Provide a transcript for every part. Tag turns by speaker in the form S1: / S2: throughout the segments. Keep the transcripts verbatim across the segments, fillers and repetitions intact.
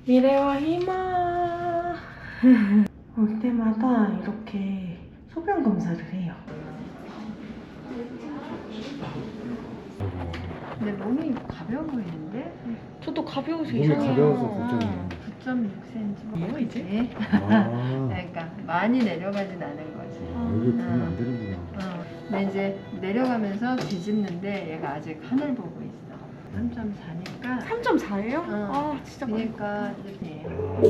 S1: 미래와 희망. 올 때마다 이렇게 소변 검사를 해요.
S2: 근데 몸이 가벼워 보이는데?
S1: 저도 가벼워서
S3: 몸이
S1: 이상해요.
S3: 가벼워서 걱정이에요.
S2: 구 점 육 센티미터.
S1: 뭐야, 이제?
S3: 아,
S2: 그러니까 많이 내려가진 않은 거지.
S3: 아, 이게 그러면 안 되는구나.
S2: 어. 근데 이제 내려가면서 뒤집는데 얘가 아직 하늘 보고 있어. 삼 점 사니까.
S1: 삼 점 사예요?
S2: 어.
S1: 아, 진짜 많이.
S2: 그러니까 이렇게.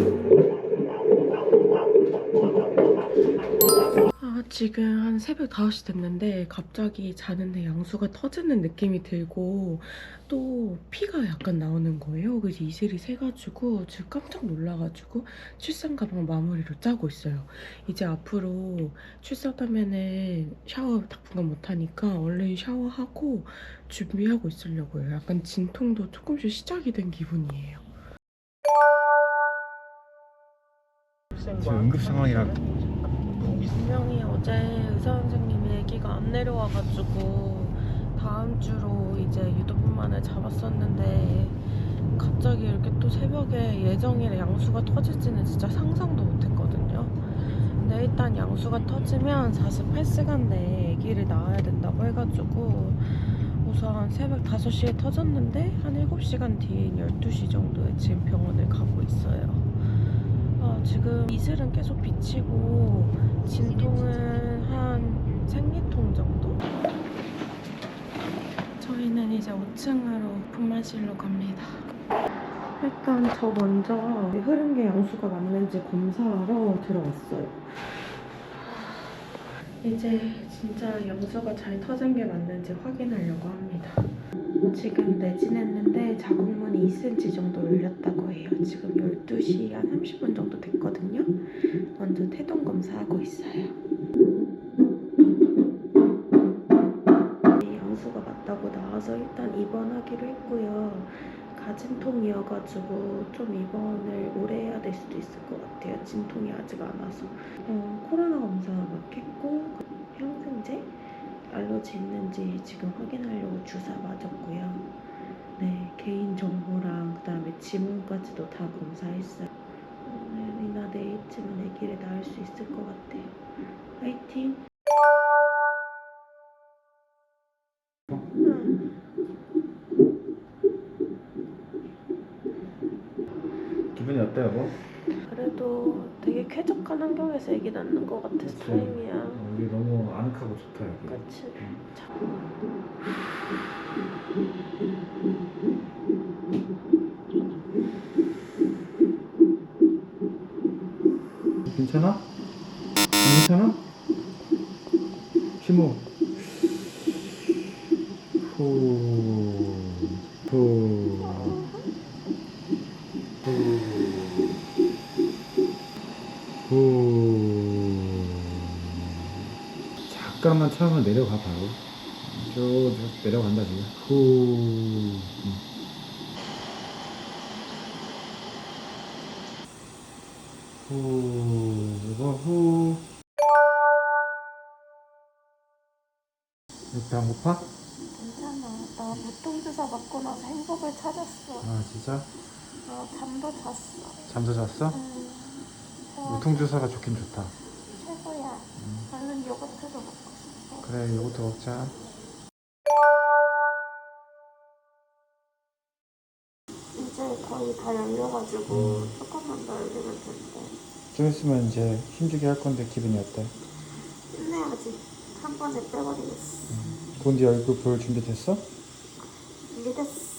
S1: 아, 지금 한 새벽 다섯 시 됐는데 갑자기 자는데 양수가 터지는 느낌이 들고 또 피가 약간 나오는 거예요. 그래서 이슬이 새가지고 지금 깜짝 놀라가지고 출산 가방 마무리로 짜고 있어요. 이제 앞으로 출산하면은 샤워 당분간 못하니까 얼른 샤워하고 준비하고 있으려고요. 약간 진통도 조금씩 시작이 된 기분이에요.
S3: 지금 응급 상황이라
S1: 분명히 어제 의사 선생님이 아기가 안 내려와가지고 다음 주로 이제 유도분만을 잡았었는데 갑자기 이렇게 또 새벽에 예정일에 양수가 터질지는 진짜 상상도 못했거든요. 근데 일단 양수가 터지면 사십팔 시간 내에 아기를 낳아야 된다고 해가지고 우선 새벽 다섯 시에 터졌는데 한 일곱 시간 뒤인 열두 시 정도에 지금 병원을 가고 있어요. 아, 지금 이슬은 계속 비치고 진통은 한 생리통 정도? 저희는 이제 오 층으로 분만실로 갑니다. 일단 저 먼저 흐른 게 양수가 맞는지 검사하러 들어왔어요. 이제 진짜 양수가 잘 터진 게 맞는지 확인하려고 합니다. 지금 내진했는데 자궁문이 이 센티미터 정도 열렸다고 해요. 지금 열두 시 한 삼십 분 정도 됐거든요. 먼저 태동 검사하고 있어요. 양수가 맞다고 나와서 일단 입원하기로 했고요. 가진통이어가지고 좀 입원을 오래 해야 될 수도 있을 것 같아요. 진통이 아직 안 와서. 어, 코로나 검사 막 했고 항생제? 알러지 있는지 지금 확인하려고 주사 맞았고요. 네, 개인정보랑 그 다음에 지문까지도 다 검사했어요. 오늘이나 내일쯤은 아기를 낳을 수 있을 것 같아요. 화이팅! 응.
S3: 기분이 어때요, 여보?
S1: 그래도 되게 쾌적한 환경에서 아기 낳는 것 같아서
S3: 그치.
S1: 다행이야.
S3: 어, 여기 너무 아늑하고 좋다, 여기.
S1: 그치? 자.
S3: 괜찮아? 안 괜찮아? 심호. 후. 후. 후. 후. 잠깐만 차면 내려가 봐요. 쭉 내려간다 지금. 후. 후. 이거 후. 배 안 고파?
S1: 괜찮아. 나 무통주사 맞고 나서 행복을 찾았어.
S3: 아 진짜?
S1: 어, 잠도 잤어.
S3: 잠도 잤어?
S1: 음, 어,
S3: 무통주사가 좋긴 좋다.
S1: 최고야.
S3: 음.
S1: 얼른 요거트도 먹고 싶어.
S3: 그래 요거트 먹자.
S1: 이제 거의 다 열려가지고
S3: 음.
S1: 조금만 더 열리면 된대.
S3: 좀 있으면 이제 힘주게 할 건데 기분이 어때?
S1: 힘내야지. 한 번에 빼버리겠어.
S3: 본디 얼굴 볼 준비 됐어?
S1: 준비됐어.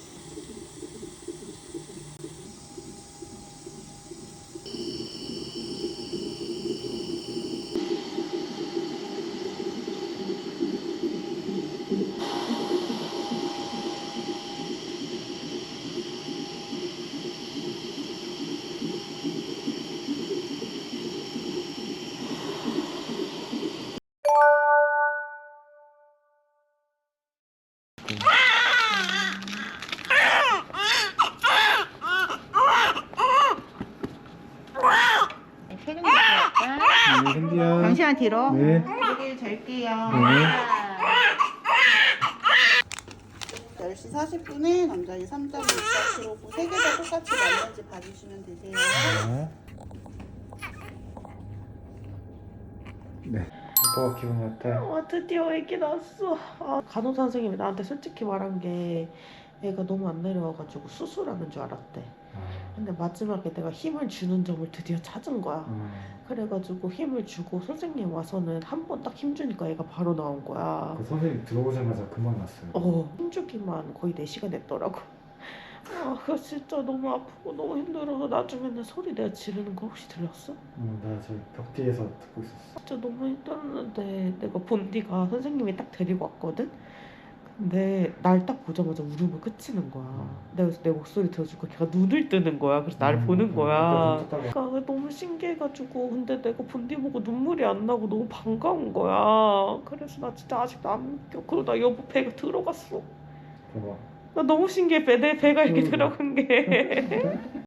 S2: 세금 드릴까?
S3: 네, 현디야.
S2: 잠시만 뒤로.
S3: 네.
S2: 여기 절게요.
S3: 네.
S4: 열 시 사십 분에 남자이 삼 점 육 사 킬로그램 세 개 다 똑같이 맞는지 봐주시면 되세요.
S3: 네.
S5: 오빠가 기분이 어때?
S1: 아 드디어 애기 낳았어. 아, 간호사 선생님이 나한테 솔직히 말한 게 애가 너무 안 내려와가지고 수술하는 줄 알았대. 근데 마지막에 내가 힘을 주는 점을 드디어 찾은 거야.
S5: 음.
S1: 그래가지고 힘을 주고 선생님 와서는 한 번 딱 힘 주니까 애가 바로 나온 거야.
S5: 그 선생님 들어오자마자 금방 났어요.
S1: 어, 힘주기만 거의 네 시간 했더라고. 아, 그거 진짜 너무 아프고 너무 힘들어서 나중에는 소리 내가 지르는 거 혹시 들렸어?
S5: 음, 나 저기 벽 뒤에서 듣고 있었어.
S1: 진짜 너무 힘들었는데 내가 본디가 선생님이 딱 데리고 왔거든? 근데 날 딱 보자마자 울음을 그치는 거야. 내가 그래서 내 목소리 들어주고 걔가 눈을 뜨는 거야. 그래서 나를
S5: 음,
S1: 보는
S5: 음,
S1: 거야.
S5: 그러니까
S1: 그러니까 너무 신기해가지고 근데 내가 본디 보고 눈물이 안 나고 너무 반가운 거야. 그래서 나 진짜 아직도 안 믿겨. 그리고 나 여보 배가 들어갔어.
S5: 봐봐.
S1: 나 너무 신기해. 배, 내 배가 이렇게
S5: 음.
S1: 들어간 게.